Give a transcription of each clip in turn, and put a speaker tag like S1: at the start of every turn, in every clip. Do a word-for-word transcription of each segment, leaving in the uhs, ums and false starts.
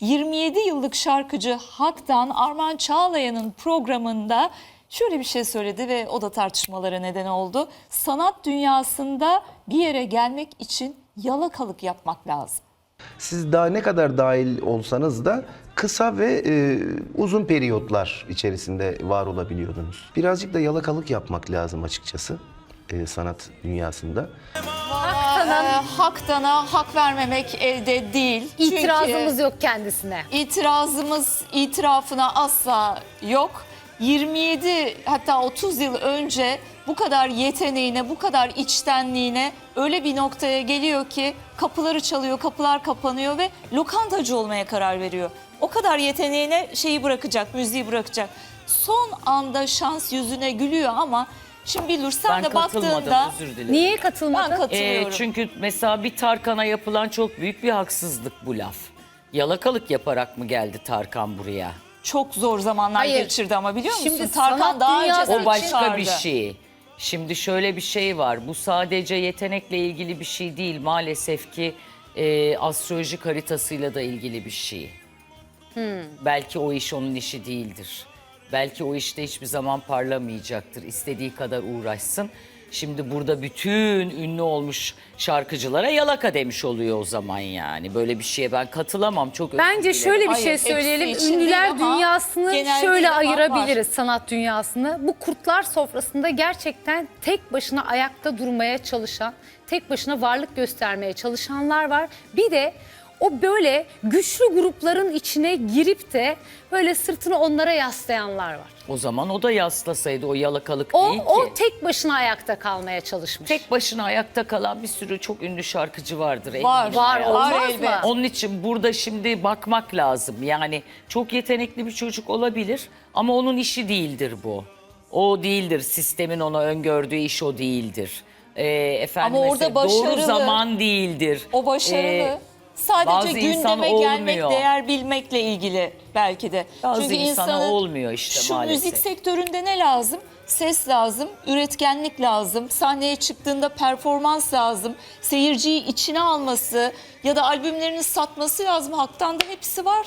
S1: yirmi yedi yıllık şarkıcı Hak'tan Arman Çağlayan'ın programında şöyle bir şey söyledi ve o da tartışmalara neden oldu. Sanat dünyasında bir yere gelmek için yalakalık yapmak lazım.
S2: Siz daha ne kadar dahil olsanız da kısa ve e, uzun periyotlar içerisinde var olabiliyordunuz. Birazcık da yalakalık yapmak lazım açıkçası e, sanat dünyasında.
S1: Haktan'a, Haktan'a hak vermemek elde değil.
S3: İtirazımız
S1: Çünkü
S3: yok kendisine.
S1: İtirazımız, itirafına asla yok. yirmi yedi hatta otuz yıl önce bu kadar yeteneğine, bu kadar içtenliğine öyle bir noktaya geliyor ki kapıları çalıyor, kapılar kapanıyor ve lokantacı olmaya karar veriyor. O kadar yeteneğine şeyi bırakacak, müziği bırakacak. Son anda şans yüzüne gülüyor ama şimdi Bilur sen
S4: Ben
S1: de
S4: katılmadım,
S1: baktığında
S4: özür dilerim.
S3: Niye
S1: ben
S3: katılmadın?
S1: katılıyorum.
S4: Ee, çünkü mesela bir Tarkan'a yapılan çok büyük bir haksızlık bu laf. Yalakalık yaparak mı geldi Tarkan buraya?
S1: Çok zor zamanlar
S3: Hayır.
S1: geçirdi ama biliyor musun?
S3: Şimdi
S1: Tarkan
S3: sanat
S1: daha önce
S3: dünyası
S4: O
S3: için
S4: başka
S1: çıkardı.
S4: bir şey. Şimdi şöyle bir şey var. Bu sadece yetenekle ilgili bir şey değil. Maalesef ki e, astrolojik haritasıyla da ilgili bir şey. Belki o iş onun işi değildir. Belki o işte hiçbir zaman parlamayacaktır. İstediği kadar uğraşsın. Şimdi burada bütün ünlü olmuş şarkıcılara yalaka demiş oluyor o zaman yani. Böyle bir şeye ben katılamam. Çok özür
S3: Bence
S4: dilerim.
S3: şöyle bir
S1: Hayır,
S3: şey
S1: hepsi
S3: söyleyelim.
S1: için değil
S3: Ünlüler
S1: ama
S3: dünyasını
S1: genel
S3: şöyle
S1: değil ama
S3: ayırabiliriz, sanat dünyasını. Bu kurtlar sofrasında gerçekten tek başına ayakta durmaya çalışan, tek başına varlık göstermeye çalışanlar var. Bir de o böyle güçlü grupların içine girip de böyle sırtını onlara yaslayanlar var.
S4: O zaman o da yaslasaydı, o yalakalık
S3: O,
S4: değil ki.
S3: o tek başına ayakta kalmaya çalışmış.
S4: Tek başına ayakta kalan bir sürü çok ünlü şarkıcı vardır.
S1: Var,
S4: eminim
S3: var,
S4: yani.
S3: olmaz
S1: Var
S3: mı?
S1: elbet.
S4: Onun için burada şimdi bakmak lazım. Yani çok yetenekli bir çocuk olabilir ama onun işi değildir bu. O değildir. Sistemin ona öngördüğü iş o değildir. Ee, efendim
S1: Ama orada
S4: mesela doğru
S1: başarılı.
S4: zaman değildir.
S1: O başarılı.
S4: Ee,
S1: Sadece
S4: bazı insan
S1: gündeme gelmek,
S4: olmuyor.
S1: değer bilmekle ilgili belki de.
S4: Bazı
S1: Çünkü
S4: insana
S1: insanın
S4: olmuyor işte
S1: şu
S4: maalesef.
S1: müzik sektöründe ne lazım? Ses lazım, üretkenlik lazım, sahneye çıktığında performans lazım, seyirciyi içine alması ya da albümlerini satması lazım. Hak'tan da hepsi var.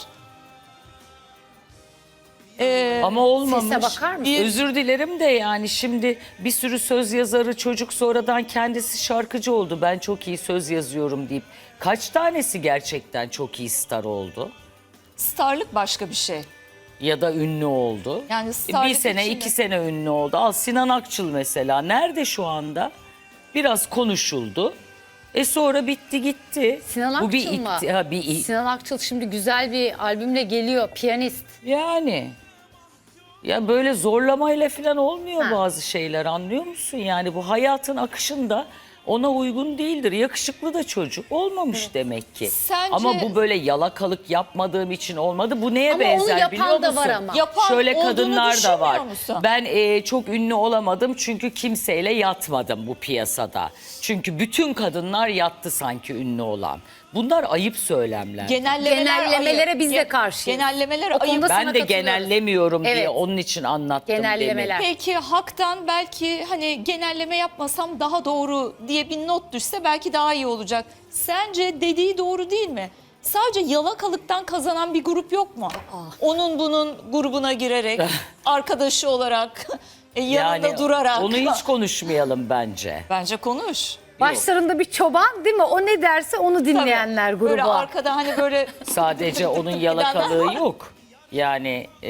S1: Ee,
S4: Ama olmamış.
S3: Sese bakar mısın?
S4: Özür dilerim de yani şimdi bir sürü söz yazarı çocuk sonradan kendisi şarkıcı oldu. Ben çok iyi söz yazıyorum deyip kaç tanesi gerçekten çok iyi star oldu?
S1: starlık başka bir şey.
S4: Ya da ünlü oldu.
S1: Yani
S4: bir
S1: starlık
S4: sene
S1: içinde-
S4: iki sene ünlü oldu. Al Sinan Akçıl mesela nerede şu anda? Biraz konuşuldu. E sonra bitti gitti.
S3: Sinan
S4: Bu bir
S3: Akçıl mı?
S4: ikti- ha, bir i-
S3: Sinan Akçıl şimdi güzel bir albümle geliyor, piyanist.
S4: Yani ya böyle zorlamayla falan olmuyor
S3: Ha.
S4: bazı şeyler, anlıyor musun? Yani bu hayatın akışında ona uygun değildir. Yakışıklı da çocuk olmamış demek ki.
S1: Sence-
S4: Ama bu böyle yalakalık yapmadığım için olmadı. Bu neye
S3: Ama onu
S4: benzer
S3: yapan
S4: biliyor
S3: da
S4: musun?
S3: var ama.
S1: Yapan
S4: Şöyle
S1: olduğunu
S4: kadınlar da var.
S1: düşünmüyor musun?
S4: Ben e, çok ünlü olamadım çünkü kimseyle yatmadım bu piyasada. Çünkü bütün kadınlar yattı sanki ünlü olan. Bunlar ayıp söylemler.
S1: Genellemeler
S3: Genellemelere
S1: ayıp.
S3: biz de
S1: Ge-
S3: karşıyız.
S1: Genellemeler
S3: O konuda
S1: ayıp.
S3: sana
S4: Ben de
S3: katılıyorum.
S4: genellemiyorum diye
S3: Evet.
S4: onun için anlattım
S3: Genellemeler.
S4: demin.
S1: Peki Hak'tan belki hani genelleme yapmasam daha doğru diye bir not düşse belki daha iyi olacak. Sence dediği doğru değil mi? Sadece yalakalıktan kazanan bir grup yok mu? Onun bunun grubuna girerek, arkadaşı olarak, e, yanında durarak.
S4: Onu hiç konuşmayalım bence.
S1: Bence konuş.
S3: Başlarında bir çoban değil mi? O ne derse onu dinleyenler
S1: Tabii.
S3: grubu.
S1: Böyle arkada hani böyle
S4: Sadece onun yalakalığı yok. Yani e,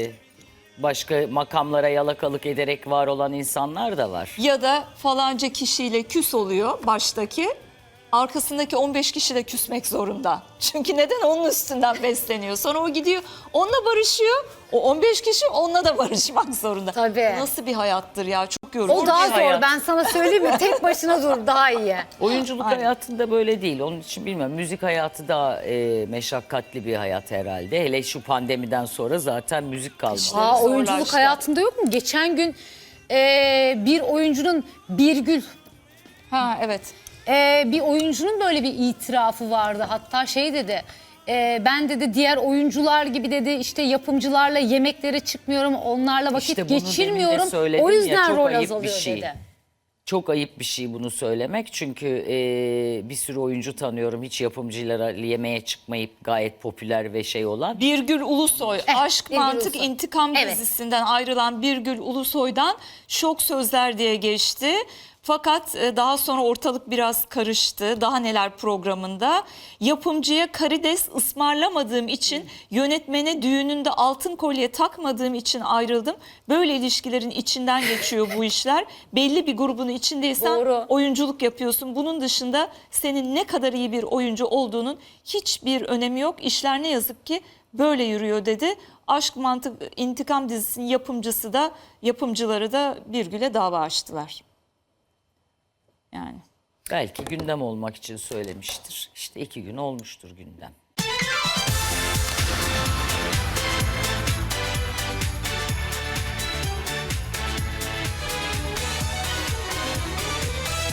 S4: başka makamlara yalakalık ederek var olan insanlar da var.
S1: ya da falanca kişiyle küs oluyor baştaki. Arkasındaki on beş kişi de küsmek zorunda. Çünkü neden? Onun üstünden besleniyor. Sonra o gidiyor onunla barışıyor. O on beş kişi onunla da barışmak zorunda.
S3: Tabii.
S1: Nasıl bir hayattır ya? Çok yorucu.
S3: O daha
S4: bir
S3: zor.
S4: hayat.
S3: Ben sana söyleyeyim mi? Tek başına dur daha iyi.
S4: Oyunculuk
S1: Aynen.
S4: hayatında böyle değil. Onun için bilmiyorum. Müzik hayatı daha e, meşakkatli bir hayat herhalde. Hele şu pandemiden sonra zaten müzik kalmadı.
S3: Aa,
S1: Zorlaştı.
S3: oyunculuk hayatında yok mu? Geçen gün e, bir oyuncunun Birgül
S1: Ha evet.
S3: e, bir oyuncunun böyle bir itirafı vardı. Hatta şey dedi. e, ben dedi diğer oyuncular gibi dedi işte yapımcılarla yemeklere çıkmıyorum. Onlarla vakit
S4: İşte bunu demin de
S3: geçirmiyorum.
S4: söyledim
S3: O
S4: ya,
S3: yüzden
S4: çok
S3: rol
S4: ayıp bir
S3: azalıyor
S4: şey.
S3: dedi.
S4: Çok ayıp bir şey bunu söylemek. Çünkü e, bir sürü oyuncu tanıyorum hiç yapımcılara yemeğe çıkmayıp gayet popüler ve şey olan.
S1: Birgül Ulusoy, Aşk
S3: Birgül
S1: Mantık
S3: Ulusoy.
S1: İntikam
S3: Evet.
S1: dizisinden ayrılan Birgül Ulusoy'dan şok sözler diye geçti. Fakat e, daha sonra ortalık biraz karıştı. Daha neler programında. Yapımcıya karides ısmarlamadığım için, yönetmene düğününde altın kolye takmadığım için ayrıldım. Böyle ilişkilerin içinden geçiyor bu işler. Belli bir grubun içindeysen
S3: Doğru.
S1: oyunculuk yapıyorsun. Bunun dışında senin ne kadar iyi bir oyuncu olduğunun hiçbir önemi yok. İşler ne yazık ki böyle yürüyor dedi. Aşk Mantık İntikam dizisinin yapımcısı da yapımcıları da Birgül'e dava açtılar. Yani.
S4: Belki gündem olmak için söylemiştir. İşte iki gün olmuştur gündem.